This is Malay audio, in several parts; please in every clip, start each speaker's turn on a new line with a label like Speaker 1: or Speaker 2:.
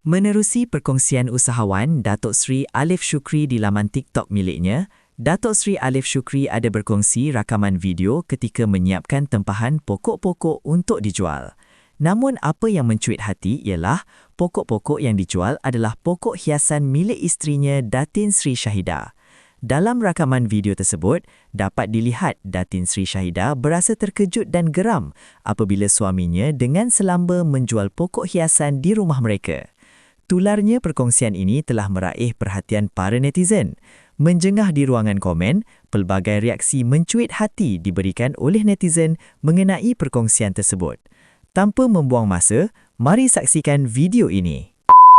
Speaker 1: Menerusi perkongsian usahawan Datuk Seri Alif Shukri di laman TikTok miliknya, Datuk Seri Alif Shukri ada berkongsi rakaman video ketika menyiapkan tempahan pokok-pokok untuk dijual. Namun apa yang mencuit hati ialah pokok-pokok yang dijual adalah pokok hiasan milik isterinya Datin Sri Syahidah. Dalam rakaman video tersebut, dapat dilihat Datin Sri Syahidah berasa terkejut dan geram apabila suaminya dengan selamba menjual pokok hiasan di rumah mereka. Tularnya perkongsian ini telah meraih perhatian para netizen. Menjengah di ruangan komen, pelbagai reaksi mencuit hati diberikan oleh netizen mengenai perkongsian tersebut. Tanpa membuang masa, mari saksikan video ini.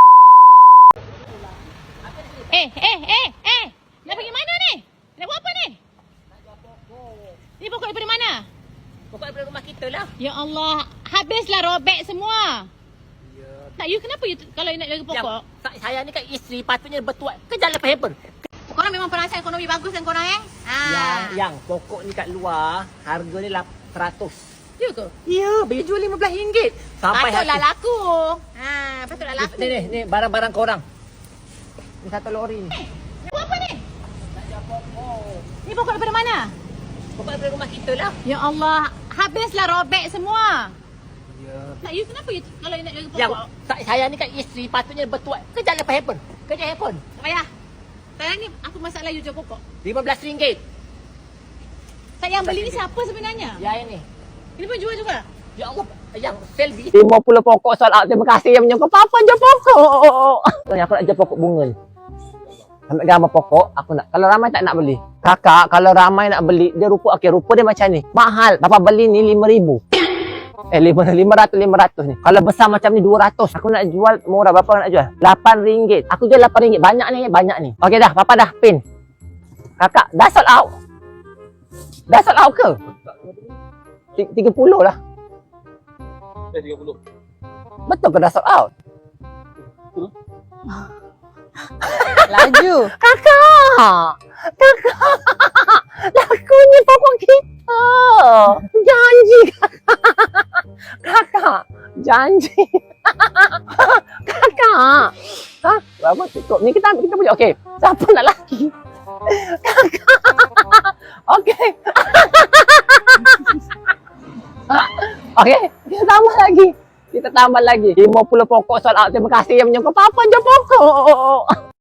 Speaker 2: Nak pergi mana ni? Nak buat apa ni?
Speaker 3: Nak jual pokok.
Speaker 2: Ni pokok daripada mana?
Speaker 3: Pokok daripada rumah kita lah.
Speaker 2: Ya Allah, habislah robek semua.
Speaker 3: Ya.
Speaker 2: Tak, you kenapa you kalau you nak jaga pokok?
Speaker 3: Saya ni kan isteri, patutnya bertuat. Kerja lepas hebat.
Speaker 2: Korang memang perasan ekonomi bagus kan korang
Speaker 3: Yang pokok ni kat luar, harga ni 100.
Speaker 2: Ya ke?
Speaker 3: Ya, boleh jual RM15. Sampai
Speaker 2: Patutlah
Speaker 3: hati.
Speaker 2: laku. Patutlah laku.
Speaker 3: Ni barang-barang korang. Ni satu lori ni.
Speaker 2: Nak buat apa ni?
Speaker 3: Nak jual pokok.
Speaker 2: Ni pokok daripada mana?
Speaker 3: Pokok daripada rumah kita lah.
Speaker 2: Ya Allah, habislah robek semua.
Speaker 3: Ya.
Speaker 2: Tak, you kenapa you kalau you nak jaga
Speaker 3: Yang
Speaker 2: pokok?
Speaker 3: saya ni kan isteri, patutnya bertuat. Kerja lepas hebat. Kerja hebat.
Speaker 2: Tak payah. Sekarang ni apa masalah you jual pokok?
Speaker 3: RM15.
Speaker 2: Tak, yang beli ni siapa sebenarnya?
Speaker 3: Ya ini.
Speaker 2: Ini pun jual juga?
Speaker 3: Ya Allah, yang Selby 50 pokok sold out. Terima kasih yang menyokong papa jual pokok. Aku nak jual pokok bunga ni. Ambil gambar pokok, aku nak. Kalau ramai tak nak beli. Kakak, kalau ramai nak beli, dia rupa rupa dia macam ni. Mahal. Papa beli ni 5,000. 500 ni. Kalau besar macam ni 200. Aku nak jual murah. Berapa nak jual? RM8. Aku jual RM8. Banyak ni. Okey dah, papa dah pin. Kakak, dah sold out. Dah sold out ke? 30 lah.
Speaker 4: 30.
Speaker 3: Betul ke dah sold out?
Speaker 2: Laju.
Speaker 3: Kakak! Lakunya pokok kita! Janji kakak! Janji! Kakak! Ha? Berapa cukup? Ni kita punya. Okey. Siapa nak laki? Kakak! Okey. Okey. Kita tambah lagi. 50 pokok sold out. Terima kasih yang menyokong papa jual pokok.